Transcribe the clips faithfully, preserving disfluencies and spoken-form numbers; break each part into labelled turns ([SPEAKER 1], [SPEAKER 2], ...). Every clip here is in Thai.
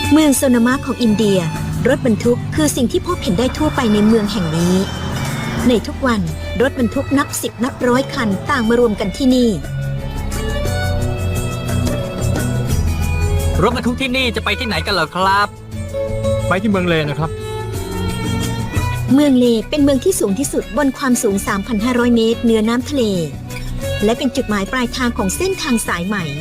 [SPEAKER 1] เมืองโซนามะของอินเดียรถบรรทุกคือสิ่งที่พบเห็นได้ทั่วไปในเมืองแห่งนี้ในทุกวันรถบรรทุกนับสิบนับร้อยคันต่างมารวมกันที่นี่
[SPEAKER 2] รถบรรทุกที่นี่จะไปที่ไหนกันเหรอครับ
[SPEAKER 3] ไปที่เมืองเลนะครับ
[SPEAKER 1] เมืองเลเป็นเมืองที่สูงที่สุดบนความสูง สามพันห้าร้อย เมตรเหนือน้ำทะเลและเป็นจุดหมายปลายทางของเส้นทางสายใหม่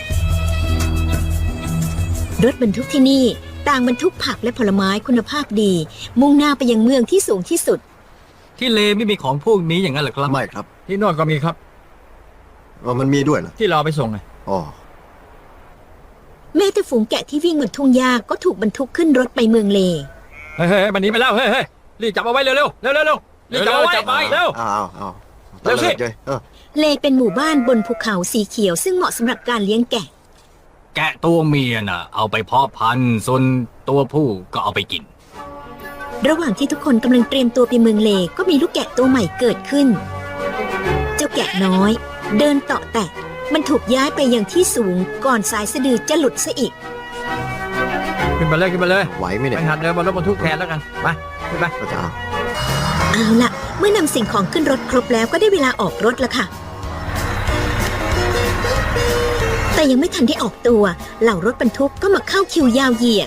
[SPEAKER 1] รถบรรทุกที่นี่ต่างบรรทุกผักและผลไม้คุณภาพดีมุ่งหน้าไปยังเมืองที่สูงที่สุด
[SPEAKER 2] ที่เลไม่มีของพวกนี้อย่างนั้นเหรอครับ
[SPEAKER 4] ไม่ครับ
[SPEAKER 3] ที่โน่นก็มีครับ
[SPEAKER 4] อ๋อมันมีด้วยเหรอ
[SPEAKER 3] ที่เราไปส่งไง
[SPEAKER 4] อ๋อ
[SPEAKER 1] แม้แต่ฝูงแกะที่วิ่งบนทุ่งหญ้าก็ถูกบรรทุกขึ้นรถไปเมืองเล
[SPEAKER 3] เฮ้ยเฮ้ยมันหนีไปแล้วเฮ้ยเฮ้ยรีบจับเอาไว้เร็วเร็วเร็วเร็วเร็วรีบจับเอาไว้จับไว้เร็ว
[SPEAKER 4] อ้าวอ้าว
[SPEAKER 3] เร็วสิ
[SPEAKER 1] เลเป็นหมู่บ้านบนภูเขาสีเขียวซึ่งเหมาะสำหรับการเลี้ยงแกะ
[SPEAKER 2] แกะตัวเมียน่ะเอาไปเพาะพันธุ์ส่วนตัวผู้ก็เอาไปกิน
[SPEAKER 1] ระหว่างที่ทุกคนกำลังเตรียมตัวไปเมืองเลก็มีลูกแกะตัวใหม่เกิดขึ้นเจ้าแกะน้อยเดินเตาะแตะมันถูกย้ายไปยังที่สูงก่อนสายสะดือจะหลุดซะอีก
[SPEAKER 3] ขึ้นไปเลยขึ้นไปเลย
[SPEAKER 4] ไหวไหมเนี่ย
[SPEAKER 3] ไปหัดเดินบนรถบรรทุกแทนแล้วกันไปขึ้นไป
[SPEAKER 4] ก็จะเอา
[SPEAKER 1] เอาล่ะเมื่อนำสิ่งของขึ้นรถครบแล้วก็ได้เวลาออกรถแล้วค่ะแต่ยังไม่ทันได้ออกตัวเหล่ารถบรรทุกก็มาเข้าคิวยาวเหยียด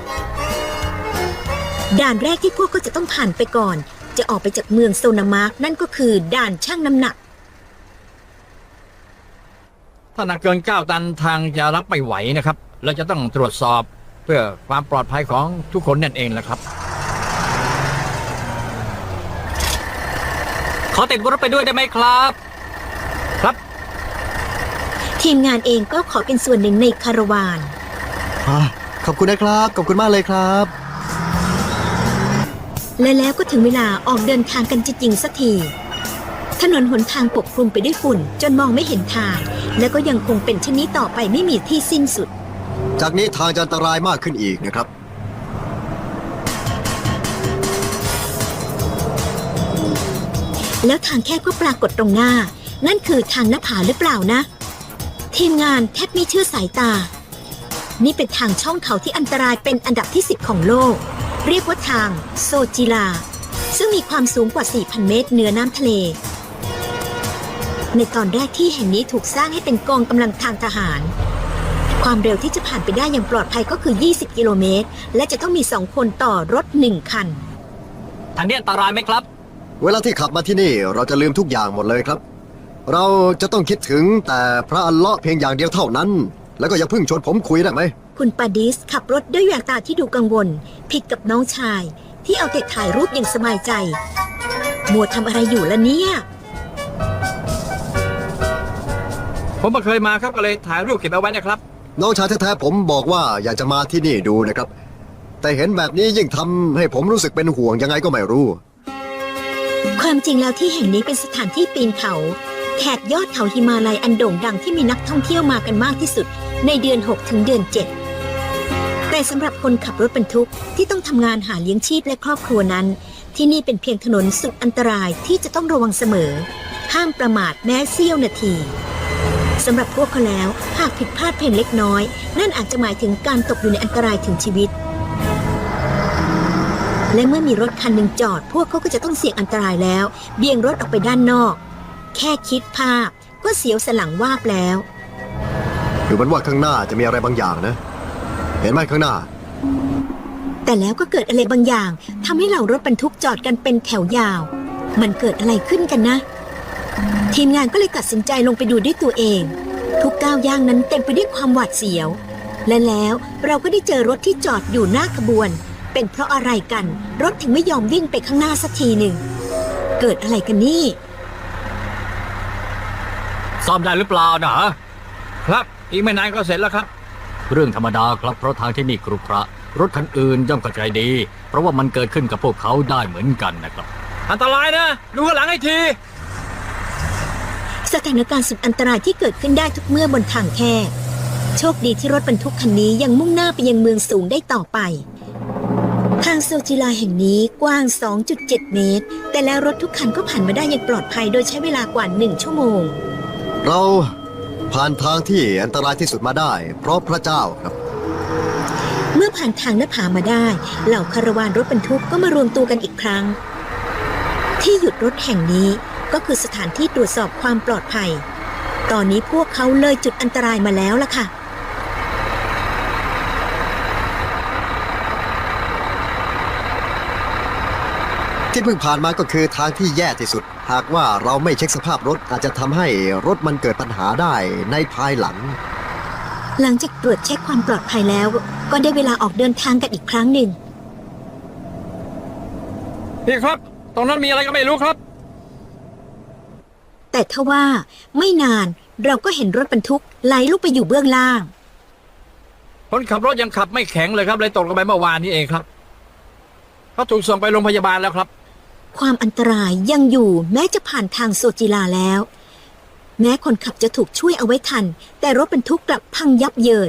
[SPEAKER 1] ด่านแรกที่พวกเขาจะต้องผ่านไปก่อนจะออกไปจากเมืองโซนามาร์กนั่นก็คือด่านชั่งน้ำหนัก
[SPEAKER 3] ถ้าหนักเกินเก้าตันทางจะรับไม่ไหวนะครับเราจะต้องตรวจสอบเพื่อความปลอดภัยของทุกคนนั่นเองแหละครับ
[SPEAKER 2] ขอติดรถไปด้วยได้ไหมครับ
[SPEAKER 3] ครับ
[SPEAKER 1] ทีมงานเองก็ขอเป็นส่วนหนึ่งในคาราวาน
[SPEAKER 4] ขอบคุณนะครับขอบคุณมากเลยครับ
[SPEAKER 1] และแล้วก็ถึงเวลาออกเดินทางกันจริงๆสักทีถนนหนทางปกคลุมไปด้วยฝุ่นจนมองไม่เห็นทางและก็ยังคงเป็นเช่นนี้ต่อไปไม่มีที่สิ้นสุด
[SPEAKER 4] จากนี้ทางจะอันตรายมากขึ้นอีกนะครับ
[SPEAKER 1] แล้วทางแคบก็ปรากฏตรงหน้านั่นคือทางหน้าผาหรือเปล่านะทีมงานแทบไม่เชื่อสายตานี่เป็นทางช่องเขาที่อันตรายเป็นอันดับที่สิบของโลกเรียกว่าทางโซจิลาซึ่งมีความสูงกว่า สี่พัน เมตรเหนือน้ำทะเลในตอนแรกที่แห่งนี้ถูกสร้างให้เป็นกองกำลังทางทหารความเร็วที่จะผ่านไปได้อย่างปลอดภัยก็คือยี่สิบกิโลเมตรและจะต้องมีสองคนต่อรถหนึ่งคัน
[SPEAKER 2] ทางนี้อันตรายไหมครับ
[SPEAKER 4] เวลาที่ขับมาที่นี่เราจะลืมทุกอย่างหมดเลยครับเราจะต้องคิดถึงแต่พระอัลเลาะห์เพียงอย่างเดียวเท่านั้นแล้วก็อย่าเพิ่งชวนผมคุยได้ไหม
[SPEAKER 1] คุณปาดิสขับรถด้วยแววตาที่ดูกังวลผิดกับน้องชายที่เอาแต่ถ่ายรูปอย่างสบายใจมัวทำอะไรอยู่ล่ะเนี่ย
[SPEAKER 3] ผมมาเคยมาครับก็เลยถ่ายรูปเก็บเอาไว้นะครับ
[SPEAKER 4] น้องชายแท้ๆผมบอกว่าอยากจะมาที่นี่ดูนะครับแต่เห็นแบบนี้ยิ่งทำให้ผมรู้สึกเป็นห่วงยังไงก็ไม่รู้
[SPEAKER 1] ความจริงแล้วที่แห่งนี้เป็นสถานที่ปีนเขาแถบยอดเขาหิมาลัยอันโด่งดังที่มีนักท่องเที่ยวมากันมากที่สุดในเดือนหกถึงเดือนเจ็ดแต่สำหรับคนขับรถบรรทุกที่ต้องทำงานหาเลี้ยงชีพและครอบครัวนั้นที่นี่เป็นเพียงถนนสุดอันตรายที่จะต้องระวังเสมอห้ามประมาทแม้เสี้ยวนาทีสำหรับพวกเขาแล้วหากผิดพลาดเพียงเล็กน้อยนั่นอาจจะหมายถึงการตกอยู่ในอันตรายถึงชีวิตและเมื่อมีรถคันหนึ่งจอดพวกเขาก็จะต้องเสี่ยงอันตรายแล้วเบี่ยงรถออกไปด้านนอกแค่คิดภาพก็เสียวสนหลังวาบแล้ว
[SPEAKER 4] ดูเหมือนว่าข้างหน้าจะมีอะไรบางอย่างนะเห็นไหมข้างหน้า
[SPEAKER 1] แต่แล้วก็เกิดอะไรบางอย่างทำให้เหล่ารถบรรทุกจอดกันเป็นแถวยาวมันเกิดอะไรขึ้นกันนะทีมงานก็เลยตัดสินใจลงไปดูด้วยตัวเองทุกก้าวย่างนั้นเต็มไปด้วยความหวาดเสียวและแล้วเราก็ได้เจอรถที่จอดอยู่หน้าขบวนเป็นเพราะอะไรกันรถถึงไม่ยอมวิ่งไปข้างหน้าสักทีหนึ่งเกิดอะไรกันนี่
[SPEAKER 2] ซ่อมได้หรือเปล่านะครับ
[SPEAKER 3] อีกไม่นานก็เสร็จแล้วครับ
[SPEAKER 2] เรื่องธรรมดาครับเพราะทางที่นี่ครุขระรถคันอื่นย่อมเข้าใจดีเพราะว่ามันเกิดขึ้นกับพวกเขาได้เหมือนกันนะครับ
[SPEAKER 3] อันตรายนะดูข้างหลังให้ที
[SPEAKER 1] สถานการณ์สุดอันตรายที่เกิดขึ้นได้ทุกเมื่อบนทางแคบโชคดีที่รถบรรทุกคันนี้ยังมุ่งหน้าไปยังเมืองสูงได้ต่อไปทางโซจิลาแห่งนี้กว้าง สองจุดเจ็ด เมตรแต่แล้วรถทุกคันก็ผ่านมาได้อย่างปลอดภัยโดยใช้เวลากว่าหนึ่งชั่วโมง
[SPEAKER 4] เราผ่านทางที่อันตรายที่สุดมาได้เพราะพระเจ้าครับ
[SPEAKER 1] เมื่อผ่านทางหน้าผามาได้ เหล่าคาราวานรถบรรทุกก็มารวมตัวกันอีกครั้ง ที่หยุดรถแห่งนี้ก็คือสถานที่ตรวจสอบความปลอดภัย ตอนนี้พวกเขาเลยจุดอันตรายมาแล้วล่ะค่ะ
[SPEAKER 4] ที่เพิ่งผ่านมาก็คือทางที่แย่ที่สุด หากว่าเราไม่เช็คสภาพรถอาจจะทำให้รถมันเกิดปัญหาได้ในภายหลัง
[SPEAKER 1] หลังจากตรวจเช็คความปลอดภัยแล้ว ก็ได้เวลาออกเดินทางกันอีกครั้งหนึ่ง
[SPEAKER 3] พี่ครับ ตรงนั้นมีอะไรก็ไม่รู้ครับ
[SPEAKER 1] แต่ทว่าไม่นานเราก็เห็นรถบรรทุกไหลลุกไปอยู่เบื้องล่าง
[SPEAKER 3] คนขับรถยังขับไม่แข็งเลยครับเลยตกลงไปเมื่อวานนี้เองครับเขาถูกส่งไปโรงพยาบาลแล้วครับ
[SPEAKER 1] ความอันตรายยังอยู่แม้จะผ่านทางโซจิลาแล้ว แม้คนขับจะถูกช่วยเอาไว้ทัน แต่รถบรรทุกกลับพังยับเยิน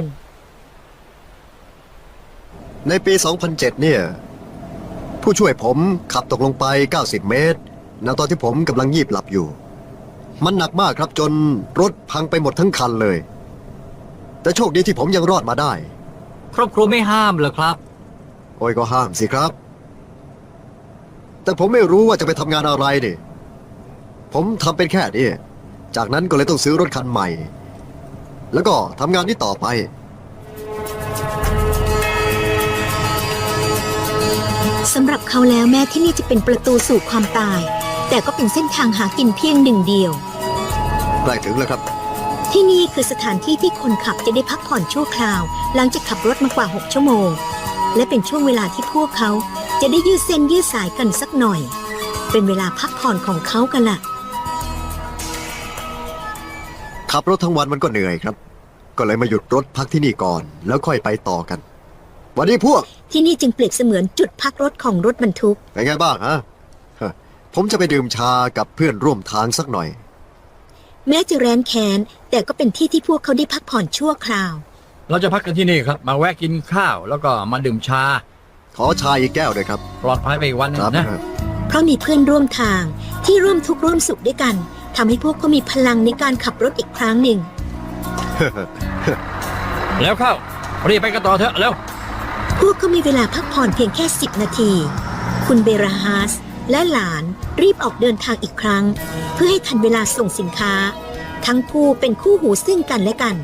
[SPEAKER 4] ในปี สองพันเจ็ด เนี่ย ผู้ช่วยผมขับตกลงไป เก้าสิบ เมตรณตอนที่ผมกำลังงีบหลับอยู่ มันหนักมากครับจนรถพังไปหมดทั้งคันเลย แต่โชคดีที่ผมยังรอดมาได้
[SPEAKER 2] ครอบครัวไม่ห้ามเหรอครับ
[SPEAKER 4] โอ้ยก็ห้ามสิครับ แต่ผมไม่รู้ว่าจะไปทำงานอะไรนี่ ผมทำเป็นแค่นี้ จากนั้นก็เลยต้องซื้อรถคันใหม่ แล้วก็ทำงานนี้ต่อไป
[SPEAKER 1] สำหรับเขาแล้วแม้ที่นี่จะเป็นประตูสู่ความตาย แต่ก็เป็นเส้นทางหากินเพียงหนึ่งเดียว
[SPEAKER 4] ใกล้ถึงแล้วครับ
[SPEAKER 1] ที่นี่คือสถานที่ที่คนขับจะได้พักผ่อนชั่วคราว หลังจากขับรถมากว่าหกชั่วโมง และเป็นช่วงเวลาที่พวกเขาจะได้ยืดเส้นยืดสายกันสักหน่อย เป็นเวลาพักผ่อนของเขากันล่ะ
[SPEAKER 4] ขับรถทั้งวันมันก็เหนื่อยครับ ก็เลยมาหยุดรถพักที่นี่ก่อน แล้วค่อยไปต่อกัน วันนี้พวก
[SPEAKER 1] ที่นี่จึงเปรียบเสมือนจุดพักรถของรถบรรทุก
[SPEAKER 4] เป็นไงบ้างฮะฮะ ผมจะไปดื่มชากับเพื่อนร่วมทางสักหน่อย
[SPEAKER 1] แม้จะแร้นแค้นแต่ก็เป็นที่ที่พวกเขาได้พักผ่อนชั่วคราว
[SPEAKER 3] เราจะพักกันที่นี่ครับ มาแวะกินข้าวแล้วก็มาดื่มชา
[SPEAKER 4] ขอชาอีกแก้วด้วยครับ
[SPEAKER 3] ปลอดภัยไปอีกวันหนึง
[SPEAKER 4] ครับ
[SPEAKER 3] นะ
[SPEAKER 1] เพราะมีเพื่อนร่วมทางที่ร่วมทุกข์ร่วมสุขด้วยกันทำให้พวกเขามีพลังในการขับรถอีกครั้งหนึ่ง
[SPEAKER 3] แล้วเข้ารีบไปกันต่อเถอะแล้ว
[SPEAKER 1] พวกเขามีเวลาพักผ่อนเพียงแค่สิบนาที คุณเบราฮาสและหลานรีบออกเดินทางอีกครั้ง เพื่อให้ทันเวลาส่งสินค้า ทั้งคู่เป็นคู่หูซึ่งกันและกัน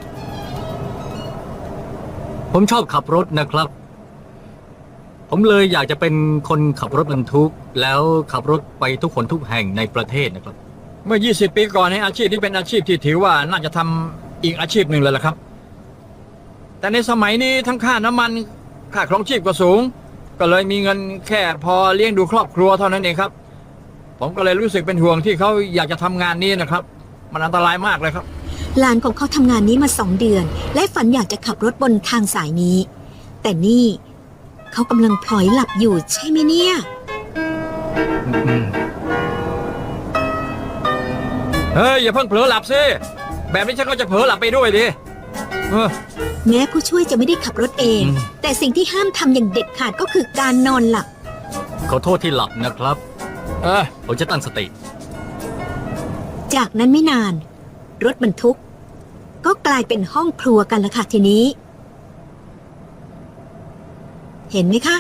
[SPEAKER 2] ผมชอบขับรถนะครับ ผมเลยอยากจะเป็นคนขับรถบรรทุก แล้วขับรถไปทุกคนทุกแห่งในประเทศนะครับ
[SPEAKER 3] เมื่อ ยี่สิบ ปีก่อนในอาชีพนี้เป็นอาชีพที่ถือว่าน่าจะทำอีกอาชีพหนึ่งเลยล่ะครับ แต่ในสมัยนี้ทั้งค่าน้ำมันค่าครองชีพก็สูง ก็เลยมีเงินแค่พอเลี้ยงดูครอบครัวเท่านั้นเองครับ ผมก็เลยรู้สึกเป็นห่วงที่เขาอยากจะทำงานนี้นะครับ มันอันตรายมากเลยครับ
[SPEAKER 1] หลานของเขาทำงานนี้มาสองเดือน และฝันอยากจะขับรถบนทางสายนี้ แต่นี่เขากำลังพลอยหลับอยู่ใช่ไหมเนี่ย
[SPEAKER 3] เฮ้ยอย่าเพิ่งเผลอหลับสิแบบนี้ฉันก็จะเผลอหลับไปด้วยดิเออ
[SPEAKER 1] แม้ผู้ช่วยจะไม่ได้ขับรถเอง
[SPEAKER 3] อืม
[SPEAKER 1] แต่สิ่งที่ห้ามทำอย่างเด็ดขาดก็คือการนอนหลับ
[SPEAKER 2] ขอโทษที่หลับนะครับ
[SPEAKER 3] เออ
[SPEAKER 2] ผมจะตั้งสติ
[SPEAKER 1] จากนั้นไม่นาน รถบรรทุก ก็กลายเป็นห้องครัวกันละค่ะทีนี้ เห็นไหมคะ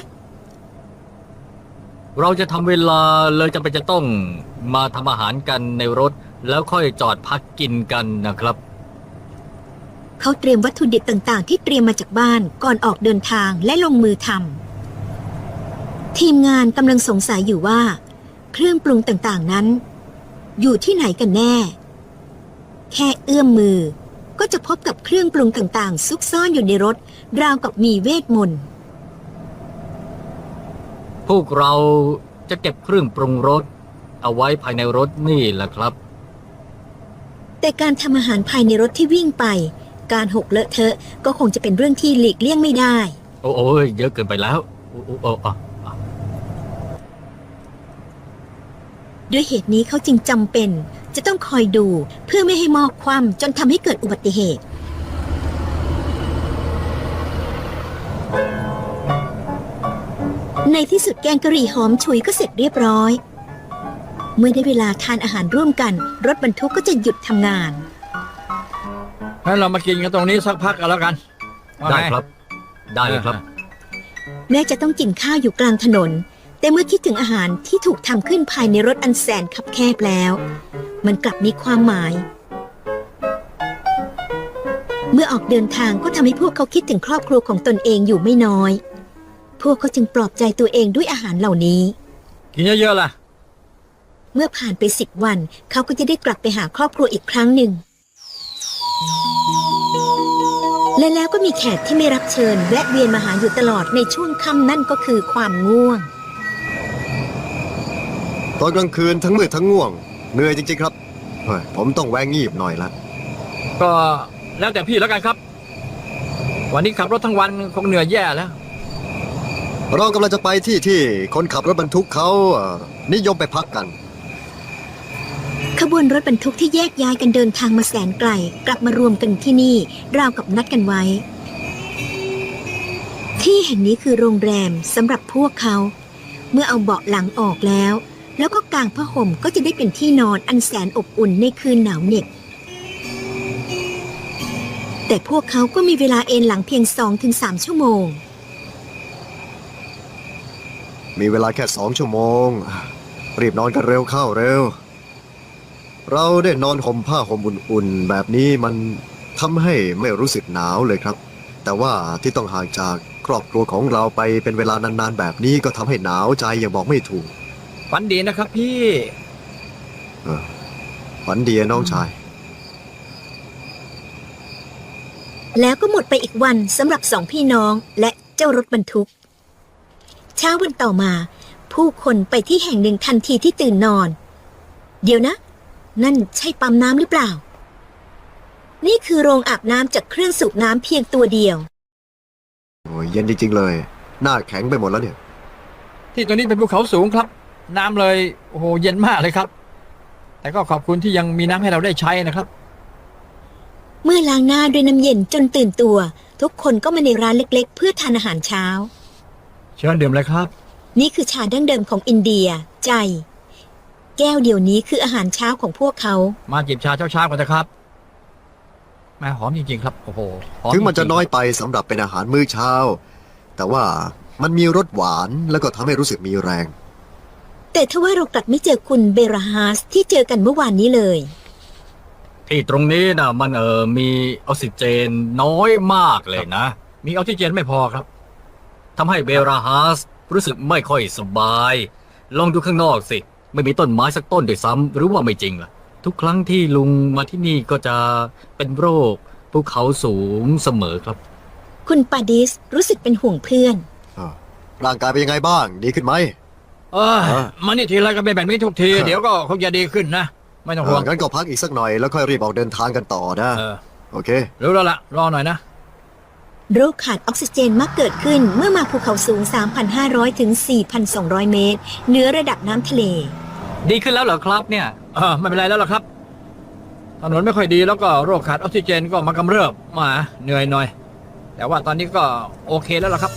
[SPEAKER 2] เราจะทำเวลาเลยจำเป็นจะต้องมาทำอาหารกันในรถ แล้วค่อยจอดพักกินกันนะครับ
[SPEAKER 1] เขาเตรียมวัตถุดิบต่างๆ ที่เตรียมมาจากบ้านก่อนออกเดินทางและลงมือทำทีมงานกำลังสงสัยอยู่ว่า เครื่องปรุงต่างๆนั้น อยู่ที่ไหนกันแน่ แค่เอื้อมมือ ก็จะพบกับเครื่องปรุงต่างๆ ซุกซ่อนอยู่ในรถ ราวกับมีเวทมนต์
[SPEAKER 2] พวกเราจะเก็บเครื่องปรุงรสเอาไว้ภายในรถนี่แหละครับ
[SPEAKER 1] แต่การทำอาหารภายในรถที่วิ่งไป การหกเลอะเทอะก็คงจะเป็นเรื่องที่หลีกเลี่ยงไม่ได้
[SPEAKER 2] โอ้โอ้ยเยอะเกินไปแล้วโอ้โอ้โอ้อ่ะอ่ะ
[SPEAKER 1] ด้วยเหตุนี้เขาจึงจำเป็น จะต้องคอยดูเพื่อไม่ให้หม้อคว่ำจนทำให้เกิดอุบัติเหตุ ในที่สุดแกงกะหรี่หอมฉุยก็เสร็จเรียบร้อย เมื่อได้เวลาทานอาหารร่วมกัน รถบรรทุกก็จะหยุดทำงาน
[SPEAKER 3] ให้เรามากินกันตรงนี้สักพักกันแล้วกันว่า
[SPEAKER 2] ได้
[SPEAKER 3] ง
[SPEAKER 2] ครับได้เลยครับ
[SPEAKER 1] แม้จะต้องกินข้าวอยู่กลางถนน แต่เมื่อคิดถึงอาหารที่ถูกทำขึ้นภายในรถอันแสนคับแคบแล้ว มันกลับมีความหมาย เมื่อออกเดินทางก็ทำให้พวกเขาคิดถึงครอบครัวของตนเองอยู่ไม่น้อย พวกเขาจึงปลอบใจตัวเองด้วยอาหารเหล่านี้
[SPEAKER 3] กินเยอะๆล่ะ
[SPEAKER 1] เมื่อผ่านไปสิบวัน เขาก็จะได้กลับไปหาครอบครัวอีกครั้งหนึ่ง และแล้วก็มีแขกที่ไม่รับเชิญแวะเวียนมาหาอยู่ตลอดในช่วงค่ำนั่นก็คือความง่วง
[SPEAKER 4] ตอนกลางคืนทั้งมืดทั้งง่วงเหนื่อยจริงๆครับเฮ้ยผมต้องแวงงีบหน่อยละ
[SPEAKER 3] ก็แล้วแต่พี่แล้วกันครับ วันนี้ขับรถทั้งวันคงเหนื่อยแย่แล้ว
[SPEAKER 4] เรากำลังจะไปที่ที่คนขับรถบรรทุกเขาเอ่อนิยมไปพักกัน
[SPEAKER 1] ขบวนรถบรรทุกที่แยกย้ายกันเดินทางมาแสนไกลกลับมารวมกันที่นี่ราวกับนัดกันไว้ ที่แห่งนี้คือโรงแรมสำหรับพวกเขา เมื่อเอาเบาะหลังออกแล้ว แล้วก็กางผ้าห่มก็จะได้เป็นที่นอนอันแสนอบอุ่นในคืนหนาวเหน็บแต่พวกเขาก็มีเวลาเอนหลังเพียง สองถึงสาม ชั่วโมง
[SPEAKER 4] มีเวลาแค่สองชั่วโมง รีบนอนกันเร็วเข้าเร็ว เราได้นอนห่มผ้าห่มอุ่นๆแบบนี้มันทำให้ไม่รู้สึกหนาวเลยครับ แต่ว่าที่ต้องห่างจากครอบครัวของเราไปเป็นเวลานานๆแบบนี้ก็ทำให้หนาวใจอย่างบอกไม่ถูก
[SPEAKER 3] ฝันดีนะครับพี่
[SPEAKER 4] เออฝันดีอะน้องชาย
[SPEAKER 1] แล้วก็หมดไปอีกวันสำหรับสองพี่น้องและเจ้ารถบรรทุก เช้าวันต่อมา ผู้คนไปที่แห่งหนึ่งทันทีที่ตื่นนอน เดี๋ยวนะ นั่นใช่ปั๊มน้ำหรือเปล่า นี่คือโรงอาบน้ำจากเครื่องสูบน้ำเพียงตัวเดียว
[SPEAKER 4] โอ้ยเย็นจริงๆเลย หน้าแข็งไปหมดแล้วเนี่ย
[SPEAKER 3] ที่ตัวนี้เป็นภูเขาสูงครับ น้ำเลยโอ้โหเย็นมากเลยครับ แต่ก็ขอบคุณที่ยังมีน้ำให้เราได้ใช้นะครับ
[SPEAKER 1] เมื่อล้างหน้าด้วยน้ำเย็นจนตื่นตัว ทุกคนก็มาในร้านเล็กๆ เพื่อทานอาหารเช้า
[SPEAKER 3] เชิญดื่มเลยครับ
[SPEAKER 1] นี่คือชาดั้งเดิมของอินเดีย ใจ แก้วเดียวนี้คืออาหารเช้าของพวกเขา
[SPEAKER 3] มาจิบชาเช้าๆกันนะครับแม่หอมจริงๆครับโอ้โหหอ
[SPEAKER 4] ถึงมันจะ
[SPEAKER 3] ริๆ
[SPEAKER 4] น้อยไปสำหรับเป็นอาหารมื้อเช้า แต่ว่ามันมีรสหวานแล้วก็ทำให้รู้สึกมีแรง
[SPEAKER 1] แต่ทว่าเรากลับไม่เจอคุณเบราฮาสที่เจอกันเมื่อวานนี้เลย
[SPEAKER 2] ที่ตรงนี้นะมันเออมีออกซิเจนน้อยมากเลยนะ
[SPEAKER 3] มีออกซิเจนไม่พอครับ
[SPEAKER 2] ทำให้เบราฮัสรู้สึกไม่ค่อยสบาย ลองดูข้างนอกสิ ไม่มีต้นไม้สักต้นด้วยซ้ำหรือว่าไม่จริงล่ะ ทุกครั้งที่ลุงมาที่นี่ก็จะเป็นโรคภูเขาสูงเสมอครับ
[SPEAKER 1] คุณปาดิสรู้สึกเป็นห่วงเพื่อน
[SPEAKER 4] อ่าร่างกายเป็นยังไงบ้าง ดีขึ้นไหม
[SPEAKER 3] เออ
[SPEAKER 4] เออ
[SPEAKER 3] มานี่ทีไรก็เป็นแบบนี้ทุกที
[SPEAKER 4] เออ
[SPEAKER 3] เดี๋ยวก็คงจะดีขึ้นนะ ไม่ต้องห่วง
[SPEAKER 4] เอองั้นก็พักอีกสักหน่อยแล้วค่อยรีบออกเดินทางกันต่อนะ
[SPEAKER 3] เออ
[SPEAKER 4] โอเค
[SPEAKER 3] รู้แล้วล่ะ รอหน่อยนะ
[SPEAKER 1] โรคขาดออกซิเจนมักเกิดขึ้นเมื่อมาภูเขาสูง สามพันห้าร้อย ถึง สี่พันสองร้อย เมตรเหนือระดับน้ำทะเล
[SPEAKER 2] ดีขึ้นแล้วเหรอครับเนี่ย
[SPEAKER 3] เออไม่เป็นไรแล้วล่ะครับถนนไม่ค่อยดีแล้วก็โรคขาดออกซิเจนก็มากำเริบมาเหนื่อยหน่อย แต่ว่าตอนนี้ก็โอเคแล้วล่ะครับ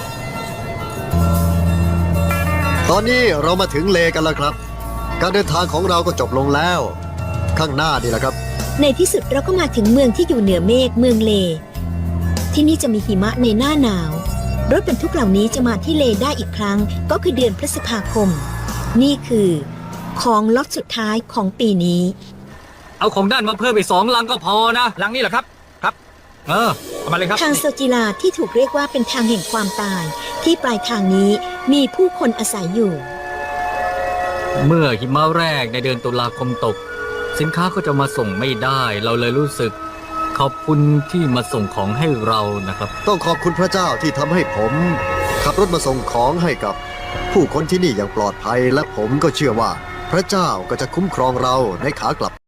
[SPEAKER 4] ตอนนี้เรามาถึงเลกันแล้วครับ การเดินทางของเราก็จบลงแล้ว ข้างหน้านี่แหละครับ
[SPEAKER 1] ในที่สุดเราก็มาถึงเมืองที่อยู่เหนือเมฆเมืองเล ที่นี่จะมีหิมะในหน้าหนาว รถบรรทุกเหล่านี้จะมาที่เลได้อีกครั้งก็คือเดือนพฤษภาคม นี่คือของล็อตสุดท้ายของปีนี้
[SPEAKER 2] เอาของด้านมาเพิ่มไปสองลังก็พอนะ
[SPEAKER 3] หลังนี้เหรอครับ ครับ
[SPEAKER 2] เออ
[SPEAKER 3] เอามาเลยครับ
[SPEAKER 1] ทางโซจิลาที่ถูกเรียกว่าเป็นทางแห่งความตาย ที่ปลายทางนี้มีผู้คนอาศัยอยู่
[SPEAKER 2] เมื่อหิมะแรกในเดือนตุลาคมตก สินค้าก็จะมาส่งไม่ได้ เราเลยรู้สึก ขอบคุณที่มาส่งของให้เรานะครับ
[SPEAKER 4] ต้องขอบคุณพระเจ้าที่ทำให้ผม ขับรถมาส่งของให้กับ ผู้คนที่นี่อย่างปลอดภัย และผมก็เชื่อว่า พระเจ้าก็จะคุ้มครองเราในขากลับ